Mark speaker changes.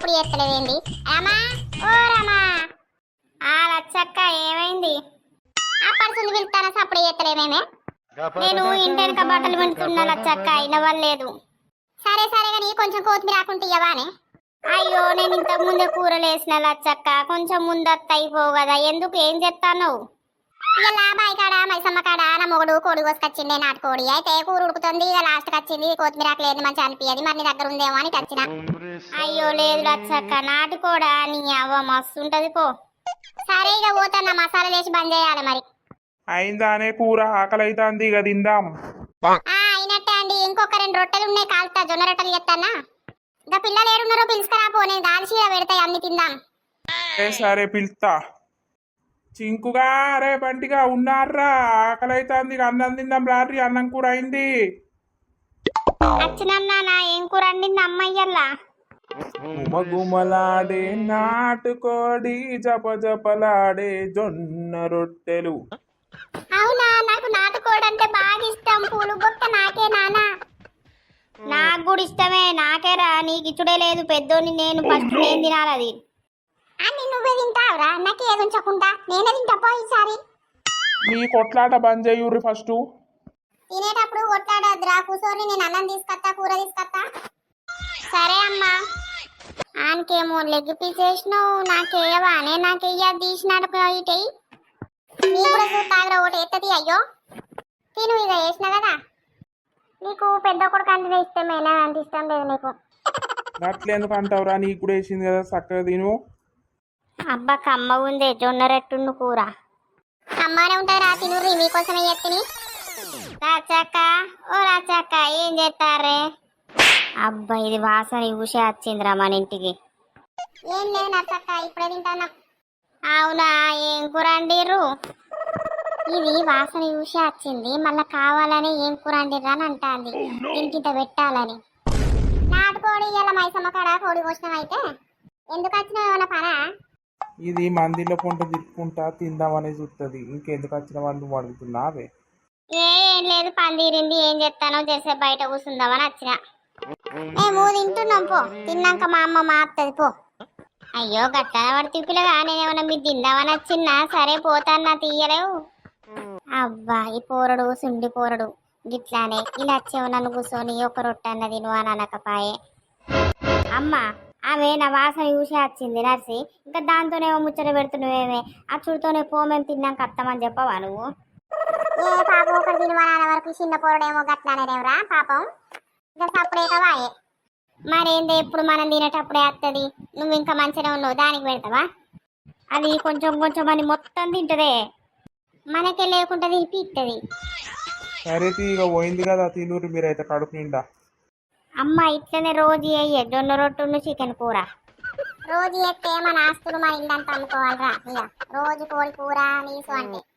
Speaker 1: సప్పుడు చేస్తలేవేంది? రామా, ఓ రామా. లచ్చక్క ఏమైంది? ఆ పర్సుని పిలుస్తానా సప్పుడు చేస్తలేవేమే? నేను ఇంటి వెనక బట్టలు వింటున్నా లచ్చక్క, వినవలేదు. సరే సరే కానీ కొంచెం కొత్తిమీర రాకుంటే ఇవ్వవానే? అయ్యో నేను ఇంతకు ముందే కూరలు వేసిన లచ్చక్క, కొంచెం ముందత్త అయిపోవు కదా, ఎందుకు ఏం చెప్తాను? ఇలా బాయ్ కాడ మైసమ్మ కాడ నా మొగుడు కోడి కోసుకొచ్చిండే, నాటుకోడి. అయితే కూర ఉడుకుతుంది, ఇక లాస్ట్కి వచ్చింది కొత్తిమీర లేదు మంచి అనిపించదు, మరి నీ దగ్గర ఉందేమో అని వచ్చిన. అయ్యో లేదు లచ్చక్క, నాటుకోడా నీ అవ్వ మస్తు ఉంటది పో. సరే ఇక పోతాను, మసాలా వేసి బంద్ చేయాలి మరి.
Speaker 2: అయిందానే కూర, ఆకలి అవుతుంది, ఇక తిందాం.
Speaker 1: అయినట్టే అండి, ఇంకొక 2 రొట్టెలు ఉన్నాయి, కాలుతా జొన్న రొట్టెలు చెప్తానా. ఇంకా పిల్లలు ఏడున్నారో పిలుచుకురా పో, నేను దాల్చీర పెడతాయి అన్ని తిందాం.
Speaker 2: సరే పిలుస్తా. చింకుగా రే బంటిగా ఉన్నారా? ఆకలి అవుతుంది, ఇక అన్నం తిందాం రాత్రి, అన్నం కూర అయింది.
Speaker 1: వచ్చినన్నా ఏం కూర అండింది అమ్మయ్యల్లా?
Speaker 2: గుమగుమలాడే నాటుకోడి, జపజపలాడే జొన్న రొట్టెలు.
Speaker 1: అవునా, నాకు నాటుకోడి అంటే బాగా ఇష్టం. పూలు బొక్క నాకే నానా. నాకు కూడా ఇష్టమే, నాకేరా, నీకు ఇచ్చుడే లేదు. పెద్దోని నేను ఫస్ట్ నేను తినాలి అది. అన్ని నువ్వే తింటావురా, నాకు ఏది ఉంచకుండా నేనే తింటా ఈసారి.
Speaker 2: మీ కొట్లాట బంద్ చేయుర్రి ఫస్ట్.
Speaker 1: తినేటప్పుడు కొట్లాడద్దురా, కూర్చొని నేను అన్నం తీసుకొస్తా, కూర తీసుకొస్తా. సరే అమ్మా. ఆనకేమో లెగ్ పీస్ వేసినావు, నాకేయవానే? నాకెయ్య తీసినాడు ఇటై. నీ కూడా చూస్తాగ్రా, ఒకటి ఎత్తది. అయ్యో తిను, ఇక వేసిన కదా. నీకు పెద్ద కొడుకు అంటే ఇష్టమేనా? అంత ఇష్టం లేదు నీకు.
Speaker 2: అట్లెందుకు అంటావురా, నీకు కూడా వేసింది కదా, చక్కగా తిను.
Speaker 1: అబ్బా కమ్మ ఉందే జొన్న రొట్టెను కూర. అమ్మానే ఉంటుంది రా, తినుర్రి, మీకోసమే ఎత్తిని. రాచక్క, ఓ రాచక్క, ఏం చేస్తారే? అబ్బా ఇది వాసన ఊసే వచ్చిందిరా మన ఇంటికి. ఏం లేదు నచ్చక్క, ఇప్పుడే తింటానా. అవునా, ఏం కూర అండిర్రు? ఇది వాసన ఊసే వచ్చింది, మళ్ళా కావాలని ఏం కూర అండిర్రా అని అంటాంది. ఇంకింత పెట్టాలని. నాటుకోడి ఇలా మైసమ్మ కాడ కోడి కోసినాం. అయితే ఎందుకు వచ్చినావు, ఏమన్నా పనా?
Speaker 2: ఇది మందిలో పొంట తిప్పుకుంటా తిందామని చూస్తుంది, ఇంకెందుకు వచ్చిన వాళ్ళు అడుగుతున్నావే?
Speaker 1: ఏం లేదు, పని తీరింది, ఏం చెప్తానో చేసే బయట కూర్చుందామని వచ్చిన. మేము తింటున్నాం పో, తిన్నాక మా అమ్మ మారుతుంది పో. అయ్యో గట్లా వాడు తిప్పిలగా, నేనేమన్నా మీరు తిందామని వచ్చిన్నా. సరే పోతాన్నా, తీయలేవు. అబ్బా ఈ పోరడు సుండి పోరడు, గిట్లానే ఇలా వచ్చేవు నన్ను కూర్చొని ఒక రొట్టె అన్నది నువ్వు అని అనకపాయే. అమ్మ ఆమె నా వాసన చూసే వచ్చింది నర్సి, ఇంకా దాంతోనేమో ముచ్చట పెడుతున్నావేమే? ఆ చుడితోనే పో, మేము తిన్నాక అత్తమని చెప్పవా నువ్వు? ఏ పాపం, ఒకటి తినమని వరకు చిన్న పోరడేమో గట్లానేదేమరా పాపం. ఇంకా సప్పుడేకవాయే. మరేంది ఎప్పుడు మనం తినేటప్పుడే వస్తుంది, నువ్వు ఇంకా మంచిగా ఉన్నావు దానికి పెడతావా? అది కొంచెం కొంచెం అని మొత్తం తింటదే, మనకే లేకుండా తిప్పి ఇస్తుంది.
Speaker 2: సరే ఇక పోయింది కదా, తినూరు మీరైతే కడుపు నిండా.
Speaker 1: అమ్మ ఇట్లనే రోజు అయ్యే జొన్న రొట్టెను చికెన్ కూర. రోజు ఎత్తే మన ఆస్తులు మన ఇల్లంతా అమ్ముకోవాలిరా. ఇక రోజు కోడి కూర నీసు అంటే